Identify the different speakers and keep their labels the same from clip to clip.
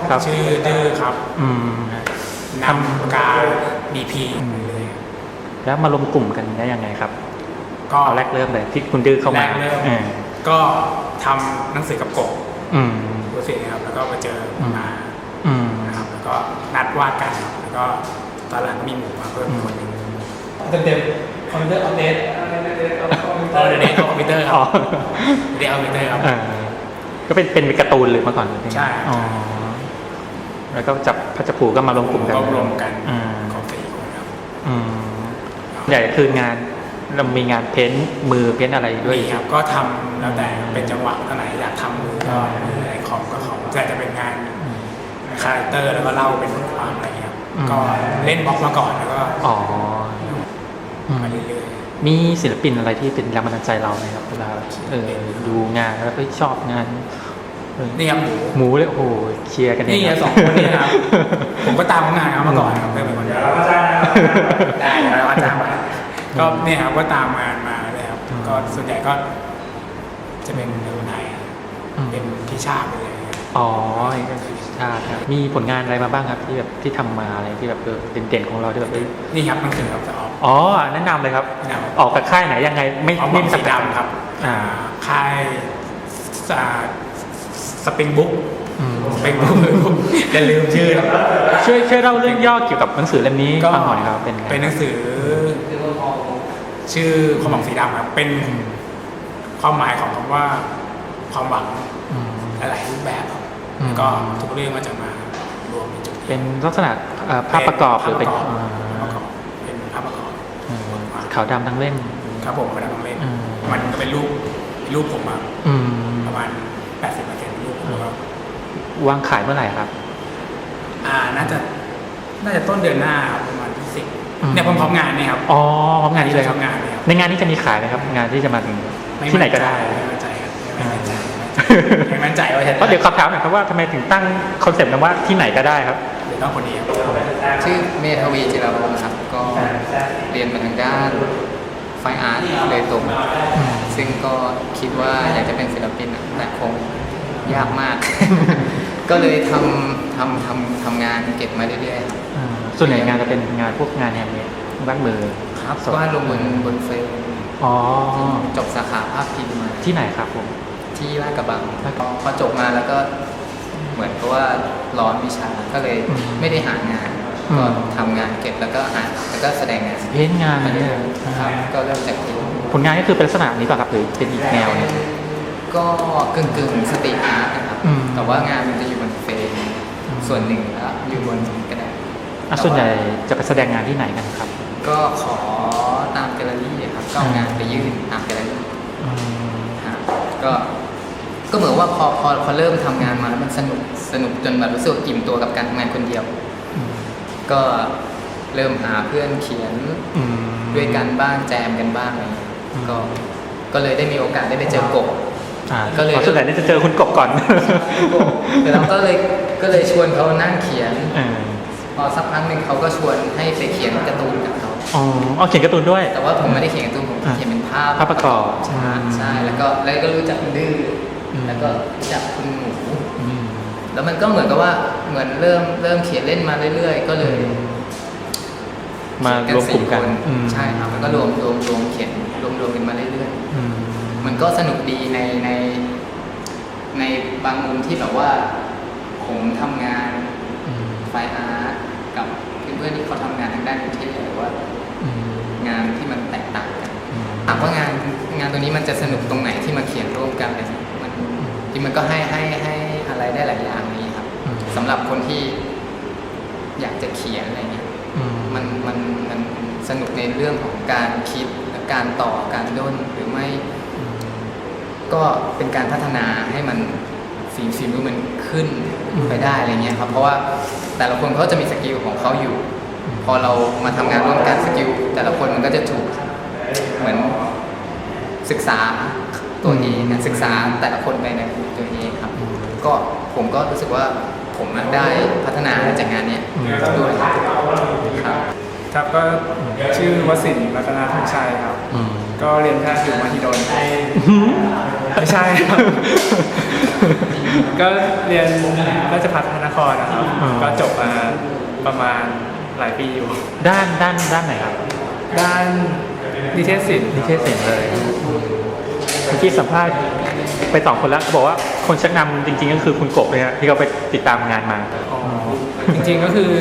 Speaker 1: ครับ
Speaker 2: ชื่อดื้อครับ
Speaker 1: อืม
Speaker 2: นำการบีพีเลย
Speaker 1: แล้วมารวมกลุ่มกันได้ยังไงครับ
Speaker 2: ก็
Speaker 1: เอาแรกเริ่มเลยที่คุณดื้อเข้า
Speaker 2: แร
Speaker 1: มาก
Speaker 2: เริ่ม
Speaker 1: อืม
Speaker 2: ก็ทำหนังสือกับกบ
Speaker 1: อืม
Speaker 2: รู้สึกนะครับแล้วก็มาเจอมา
Speaker 1: อืม
Speaker 2: นะครับแล้วก็นัดวาดกันครับแล้วก็ตอนหลังก็มีหมูมาเพิ่มอีกคนหนึ่งเต็มๆคอมพิวเตอร์อัปเดตเดทคอมพิวเตอร์ครับเดทคอมพิวเตอร์ครับ
Speaker 1: ก็เป็นการ์ตูนหรือมาก่อนหรือไง
Speaker 2: ใช่
Speaker 1: อ๋อแล้วก็จับพัชผูก็มารวมกลุ่มกัน
Speaker 2: ก็รวมกัน
Speaker 1: อืม
Speaker 2: ของสี่คนครับ
Speaker 1: อืมใหญ่คืองานเรามีงานเพ้นท์มือเพ้นท์อะไรด้วย
Speaker 2: มีครับก็ทำแล้วแต่เป็นจังหวะท่าไหนอยากทำมือก็มืออะไรคอมก็คอมแต่จะเป็นงานคาแรคเตอร์แล้วก็เล่าเป็นบทความอะไรเงี้ยครับก็เล่นบล็อกมาก่อนแล้วก็
Speaker 1: อ๋อ
Speaker 2: มาเรื่อย
Speaker 1: มีศิลปินอะไรที่เป็นแรงบันดาลใจเราไหมครับเวลาดูงานแล้วก็ชอบงาน
Speaker 2: ๆนี่ครับหมู
Speaker 1: หมูเลยโอ้โหเชียร์กันเอง
Speaker 2: นี่สองคนนี่นะครับ ผมก็ตามงานเขามาก่อนครับเป็นคนเดียวได้แล้วก็จ้างมาก็เนี่ยครับก็ตามงานมาเลยครับก็ส่วนใหญ่ก็จะเป็นเรื่องไทยเป็นพี่ชาติเลย
Speaker 1: อ๋อก็คือชาติครับมีผลงานอะไรมาบ้างครับที่แบบที่ทำมาอะไรที่แบบเด่นๆของเราที่แบบ
Speaker 2: นี่ครับหนังสือครับจะออก
Speaker 1: อ๋อแนะนำเลยครับ
Speaker 2: แนะนำ
Speaker 1: ออกกับค่ายไหนยังไงไม่
Speaker 2: ออก
Speaker 1: ไม่
Speaker 2: สีดำครับค่ายสปริงบุ๊กสปริงบุ๊กอย่าลืมชื่อนะ
Speaker 1: ช่วยเล่าเรื่องย่อเกี่ยวกับหนังสือเล่มนี้
Speaker 2: ก็
Speaker 1: ฟังหน่อยครับเป็นไง
Speaker 2: เป็นหนังสือชื่อความหวังสีดำครับเป็นความหมายของคำว่าความหวัง
Speaker 1: อืม
Speaker 2: หลายรูปแบบครับ
Speaker 1: อืม
Speaker 2: แล้วก็ทุกเรื่องมันจะมารวมเป็นจุด
Speaker 1: เป็นลักษณะภาพประกอบหรือเป็น
Speaker 2: เป็นภาพประกอบ
Speaker 1: ขาวดำทั้งเล่ม
Speaker 2: ครับผมกระดาษเล่น
Speaker 1: อืม
Speaker 2: มันก็เป็นรูปผมอะ
Speaker 1: อืม
Speaker 2: ประมาณ 80%รูปผมแล้วก็
Speaker 1: วางขายเมื่อไหร่ครับ
Speaker 2: น่าจะต้นเดือนหน้าครับประมาณที่สิบ
Speaker 1: อืม
Speaker 2: เนี่ยพร้อมๆงานเนี่ยครับ
Speaker 1: อ๋อพร้อมงานนี้เลยครับ
Speaker 2: พร้อมงานเนี่ยครับ
Speaker 1: ในงานนี้จะมีขายไหมครับ งานที่จะมาถึง
Speaker 2: ม่
Speaker 1: ที่ไหนก็ได้
Speaker 2: ไม่มั่นใจครับไม่มั่นใจไม่มั่นใจว่าจะ
Speaker 1: เพราะเดี๋ยวขอถามหน่อยครับว่าทำไมถึงตั้งคอนเซ็ปต์นั้นว่าที่ไหนก็ได้ครับ
Speaker 2: หรือต้องคนเดียว
Speaker 3: ชื่อเมธวีจิรวงศ์ครับก็เรียนมาทางด้านไฟอาร์ตเลยตรงซึ่งก็คิดว่าอยากจะเป็นศิลปินอะแต่คงยากมาก ก็เลยทำงานเก็บมาเรื่อยๆครับ
Speaker 1: ส่วนใหญ่งานจะเป็นงานพวกงานแฮนด์เมดวาดมือ
Speaker 3: ครับ
Speaker 1: สด
Speaker 3: วาดลงบนเฟรม
Speaker 1: อ๋อ
Speaker 3: จบสาขาภาพพิมพ์มา
Speaker 1: ที่ไหนครับผม
Speaker 3: ที่ลาดกระบังพอจบมาแล้วก็เหมือนกับว่าร้อนวิชาก็เลยไม่ได้หางาน ก็ทำงานเก็บแล้วก็แสดงงาน
Speaker 1: เพ้นท์งาน
Speaker 3: มาเรื่
Speaker 1: เนี่
Speaker 3: อย ยๆครับก็เริ่มจากที่
Speaker 1: ผลงานก็คือเป็นลักษณะนี้ป่ะครับหรือเป็นอีกแนวหนึง
Speaker 3: ก็กึ่งสตรีทอาร์ตนะครับ
Speaker 1: อืม
Speaker 3: แต่ว่างานมันจะอยู่บนเฟรมส่วนหนึ่งแล้วอยู่บนกระดาษ
Speaker 1: ส่วนใหญ่จะไปแสดงงานที่ไหนกันครับ
Speaker 3: ก็ขอตามแกลเลอรี่ครับก็เอางานไปยื่นตามแกลเลอรี่
Speaker 1: อืม
Speaker 3: ครับก็เหมือนว่าพอเริ่มทำงานมาแล้วมันสนุกจนแบบรู้สึกอิ่มตัวกับการทำงานคนเดียว
Speaker 1: อืม
Speaker 3: ก็เริ่มหาเพื่อนเขียน
Speaker 1: อืม
Speaker 3: ด้วยกันบ้างแจมกันบ้างอะไรอย่างเงี้ย
Speaker 1: อืม
Speaker 3: ก็เลยได้มีโอกาสได้ไปเจอกบ ก็เลย
Speaker 1: ส่วนใหญ่นี่จะเจอคุณกบก่อน
Speaker 3: แต่เราก็เลยชวนเขานั่งเขียน
Speaker 1: เออ
Speaker 3: พอสักพักหนึ่งเขาก็ชวนให้ไปเขียนการ์ตูนกับเขา
Speaker 1: อ๋อเอาเขียนการ์ตูนด้วย
Speaker 3: แต่ว่าผมไม่ได้เขียนการ์ตูนผมเขียนเป็นภาพ
Speaker 1: ภาพประกอบ
Speaker 3: ใช่แล้วก็รู้จักคุณดื้ออ
Speaker 1: ม
Speaker 3: แล้วก็รู้จักคุณหมู
Speaker 1: อืม
Speaker 3: แล้วมันก็เหมือนกับว่าเหมือนเริ่มเขียนเล่นมาเรื่อยๆ ก็เลย
Speaker 1: มารวมกลุ่มกัน
Speaker 3: เขีย
Speaker 1: อืม
Speaker 3: 4ใช่ครับแล้วก็รวมเขียนรวมกันมาเรื่อย
Speaker 1: อืม
Speaker 3: ๆมันก็สนุกดีในบางมุมที่แบบว่าผมทำงาน
Speaker 1: อืม
Speaker 3: ไฟอาร์ตกับเพื่อนๆที่เขาทำงานทางด้านกรุงเทพหรือว่า
Speaker 1: อืม
Speaker 3: งานที่มันแตกต่างกัน
Speaker 1: อืม
Speaker 3: ถามว่างานตัวนี้มันจะสนุกตรงไหนที่มาเขียนร่วมกันเลยมันจริงมันก็ให้อะไรได้หลายอย่างนี้ครับ
Speaker 1: อืม
Speaker 3: สำหรับคนที่อยากจะเขียนอะไรเงี้ย
Speaker 1: อืม
Speaker 3: มันสนุกในเรื่องของการคิดและการต่อการด้นหรือไม่
Speaker 1: อืม
Speaker 3: ก็เป็นการพัฒนาให้มันฝีมือมันขึ้นไปได้อะไรเงี้ยครับเพราะว่าแต่ละคนเขาจะมีสกิลของเขาอยู่ พอเรามาทำงานร่วมกันสกิลแต่ละคนมันก็จะถูกเหมือนศึกษาตัวเองนะศึกษาแต่ละคนไปในตัวเองครับ ก็ผมก็รู้สึกว่าผมได้พัฒนาจากงานเนี้ยด้วยครับ
Speaker 4: ครับก็ชื่อวสินทร์รัตนธงชัยครับ
Speaker 1: อืม
Speaker 4: ก็เรียนแพทย์อยู่มหิดลไม่ใช่ครับก็เรียนราชภัฏพระนครนะครับ
Speaker 1: อ๋อ
Speaker 4: ก็จบมาประมาณหลายปีอยู่
Speaker 1: ด้านไหนครับ
Speaker 4: ด้านนิเทศศิลป์
Speaker 1: นิเทศศิลป์เลยเมื่อกี้สัมภาษณ์ไป2 คนแล้วเขาบอกว่าคนชักนำจริงๆก็คือคุณกบเลยฮะที่เขาไปติดตามงานมา
Speaker 4: อ๋อจริงๆก็คือ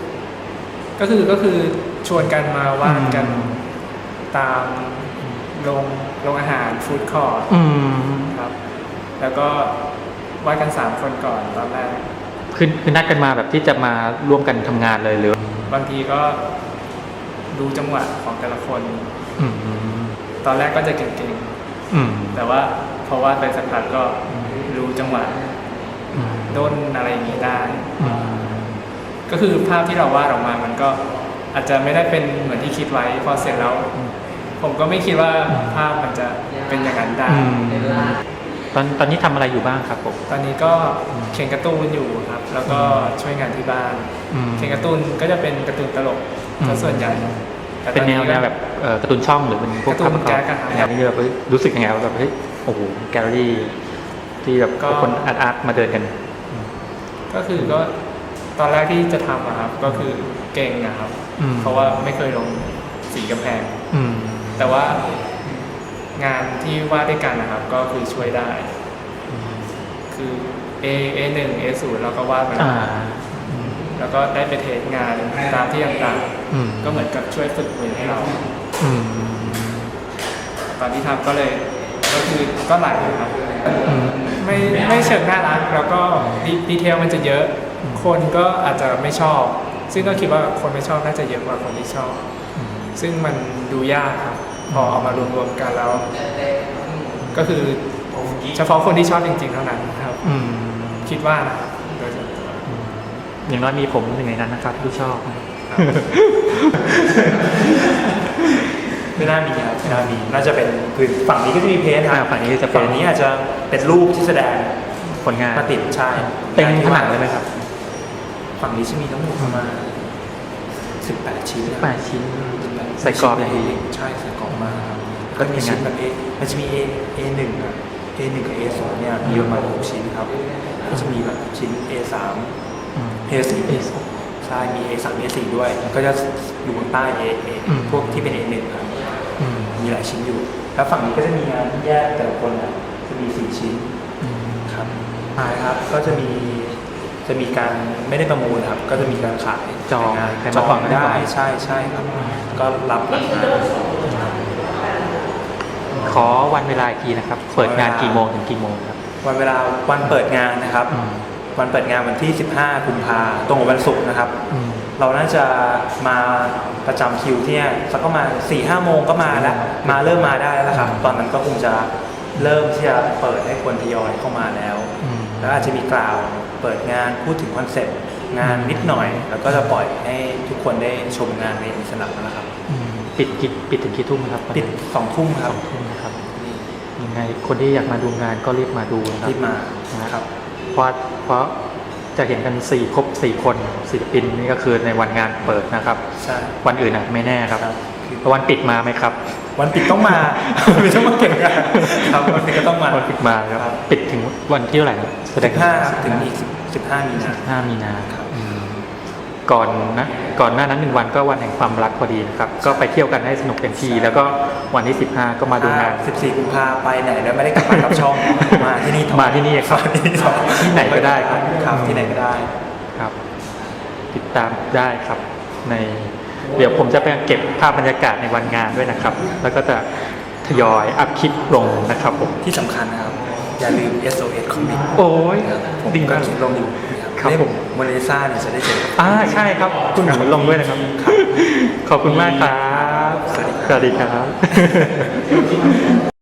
Speaker 4: ชวนกันมาวาดกันตามโรงอาหารฟู้ดคอร์ท
Speaker 1: อืม
Speaker 4: ครับ แล้วก็วาดกัน3 คนก่อนตอนแรก
Speaker 1: คือนัดกันมาแบบที่จะมาร่วมกันทำงานเลยหรือบ
Speaker 4: างทีก็ดูจังหวะของแต่ละคน
Speaker 1: อืม
Speaker 4: ตอนแรกก็จะเก่ง
Speaker 1: อืม
Speaker 4: ๆ แต่ว่าพอวาดไปสักพักก็รู้จังหวะ
Speaker 1: อืม
Speaker 4: ด้นอะไรอย่างนี้ได้
Speaker 1: อืม
Speaker 4: ก็คือภาพที่เราวาดออกมามันก็อาจจะไม่ได้เป็นเหมือนที่คิดไว้พอเสร็จแล้ว ผมก็ไม่คิดว่าภาพมันจะเป็นอย่างนั้นได้
Speaker 1: อืมตอนนี้ทำอะไรอยู่บ้างครับผม
Speaker 4: ตอนนี้ก็เขียนการ์ตูนอยู่ครับ แล้วก็ช่วยงานที่บ้าน
Speaker 1: อืม
Speaker 4: เขียนการ์ตูนก็จะเป็นการ์ตูนตลก
Speaker 1: อืม
Speaker 4: ซะส่วนใหญ่ต่
Speaker 1: เป็น
Speaker 4: ตอ
Speaker 1: แนวแบบการ์ตูนช่องหรือเป็นพวก
Speaker 4: การ์ตูน
Speaker 1: ภาพประกอบ
Speaker 4: แก๊กอะครับ
Speaker 1: แนวนี้แบบรู้สึกยังไงว่าแบบเฮ้ยโอ้โหแกลเลอรี่ที่แบบ
Speaker 4: ก็
Speaker 1: คนอาร์ตมาเดินกัน
Speaker 4: ก็คือก็ตอนแรกที่จะทำอะครับก็คือเก่งนะครับ
Speaker 1: อืม
Speaker 4: เพราะว่าไม่เคยลงสีกำแพง
Speaker 1: อืม
Speaker 4: แต่ว่างานที่วาดด้วยกันนะครับ ก็คือช่วยได้ คือ A1 A0 เราก็วาดมา
Speaker 1: อ่า
Speaker 4: แล้วก็ได้ไปเทสงานตามที่ต่าง
Speaker 1: อืม
Speaker 4: ๆก็เหมือนกับช่วยฝึกมือให้เรา
Speaker 1: อืม
Speaker 4: ตอนที่ทำก็เลยก็คือก็ไหลครับ
Speaker 1: อืม
Speaker 4: ไม่เชิงน่ารักแล้วก็ดีเทลมันจะเยอะ คนก็อาจจะไม่ชอบ ซึ่งก็คิดว่าคนไม่ชอบน่าจะเยอะกว่าคนที่ชอบ ซึ่งมันดูยากครับ พอเอามารวมๆกันแล้ว ก็คือเฉพาะคนที่ชอบจริงๆเท่านั้นครับ
Speaker 1: อืม
Speaker 4: คิดว่านะครับโดยส่วนตัว
Speaker 1: อย่างน้อยมีผมหนึ่งในนั้นนะครับที่ชอบ
Speaker 5: ไม่น่ามีครับไม่น่ามีน่าจะเป็นคือฝั่งนี้ก็จะมีเพ้นท์ค
Speaker 1: อ่า
Speaker 5: รับ
Speaker 1: ฝั่งนี้จะเป็น
Speaker 5: ฝั่งนี้อาจจะเป็นรูปที่แสดง
Speaker 1: ผลงาน
Speaker 5: มาติดใช่
Speaker 1: เป็นผนังเลยไหมครับ
Speaker 5: ฝั่งนี้จะมีทั้งหมดประมาณ18 ชิ้นนะ
Speaker 1: 8 ชิ้นใส่กรอบอย่างดี
Speaker 5: ใช่ใส่กรอบมากครับก็มีชิ้นแบบ A มันจะมี A1 อ่ะ A1 กับ A2 เนี่ยมีประมาณ6 ชิ้นครับก็จะมีแบบชิ้น A3
Speaker 1: อืม
Speaker 5: A4 ใช่มี A3 A4 ด้วย ก็จะอยู่บนใต้ A
Speaker 1: อืม
Speaker 5: พวกที่เป็น A1 ครับ
Speaker 1: อืม
Speaker 5: มีหลายชิ้นอยู่ แล้วฝั่งนี้ก็จะมีงานแยกแต่ละคนนะจะมี4 ชิ้น
Speaker 1: อืม
Speaker 5: ครับขายครับ ก็จะมีการไม่ได้ประมูลครับ ก็จะมีการขาย
Speaker 1: จอง
Speaker 5: งาน
Speaker 1: ใคร
Speaker 5: จ
Speaker 1: มา
Speaker 5: อ
Speaker 1: ก่อง นก็ได้
Speaker 5: ได้ใช่ใช่ครับ ก็รับหลังงาน
Speaker 1: ขอวันเวลาอีกทีนะครับ เปิดงานกี่โมงถึงกี่โมงครับ
Speaker 5: วันเวลาวันเปิดงานนะครับ
Speaker 1: อืม
Speaker 5: วันเปิดงานวันที่ 15 กุมภาตรงกับวันศุกร์นะครับ
Speaker 1: อืม
Speaker 5: เราน่าจะมาประจำคิวที่เนี่ยสักประมาณ 4-5 โมงก็มาแล้วเริ่มมาได้แล้วล่ะครับ ตอนนั้นก็คงจะเริ่มที่จะเปิดให้คนทยอยเข้ามาแล้ว
Speaker 1: อืม
Speaker 5: แล้วอาจจะมีกล่าวเปิดงานพูดถึงคอนเซ็ปต์งานนิดหน่อย แล้วก็จะปล่อยให้ทุกคนได้ชมงานในอิสระแล้วครับ
Speaker 1: อืมปิดถึงกี่ทุ่มครับ
Speaker 5: ปิด2 ทุ่มครับ
Speaker 1: 2 ทุ่มนะครับยังไงคนที่อยากมาดูงานก็รีบมาดูนะครับ
Speaker 5: รีบมา
Speaker 1: นะครับ เพราะจะเห็นกันครบ 4 คนศิลปินนี่ก็คือในวันงานเปิดนะครับ
Speaker 5: ใช่
Speaker 1: วันอื่นไม่แน่ครับ
Speaker 5: ครับ
Speaker 1: วันปิดมาไหมครับ
Speaker 5: วันปิดต้องมา ไม่ต้องมาเก็บงานครับวันปิดก็ต้องมา
Speaker 1: วันปิดมาครับ
Speaker 5: ครับ
Speaker 1: ปิดถึงวันที่เท่าไหร่ครับแสดง
Speaker 5: 15ครับถึงอีก15 มีนา
Speaker 1: 5 มีนา
Speaker 5: ครับ
Speaker 1: อืมก่อนหน้านั้น1 วันก็วันแห่งความรักพอดีนะครับ ก็ไปเที่ยวกันให้สนุกเต็มที่แล้วก็วันที่ 15 ก็มาดูงาน
Speaker 5: 14 กุมภาไปไหนแล้วไม่ได้กลับมากับช่อง มาที่นี่ต่อ
Speaker 1: มาที่นี่ครับ
Speaker 5: มาที่นี่ต่อ
Speaker 1: ที่ไหนก็ได้ครับ
Speaker 5: ครับที่ไหนก็ได้
Speaker 1: ครับ ติดตามได้ครับเดี๋ยวผมจะไปเก็บภาพบรรยากาศในวันงานด้วยนะครับ แล้วก็จะทยอยอัพคลิปลงนะครับผม
Speaker 5: ที่สำคัญนะครับ อย่าลืม SOS Comic
Speaker 1: โอ้ย
Speaker 5: ผม
Speaker 1: ดี
Speaker 5: ก็
Speaker 1: มาก
Speaker 5: เขียนลงอยู่
Speaker 1: ครับ
Speaker 5: เล่
Speaker 1: ผม
Speaker 5: โมนาลิซาเนี่ยจะได้เจอกับ
Speaker 1: ใช่ครับ คุณหนูลงด้วยนะครับ ขอบคุณมากครับ
Speaker 5: สวัสดีครับ
Speaker 1: สวัสดีครับ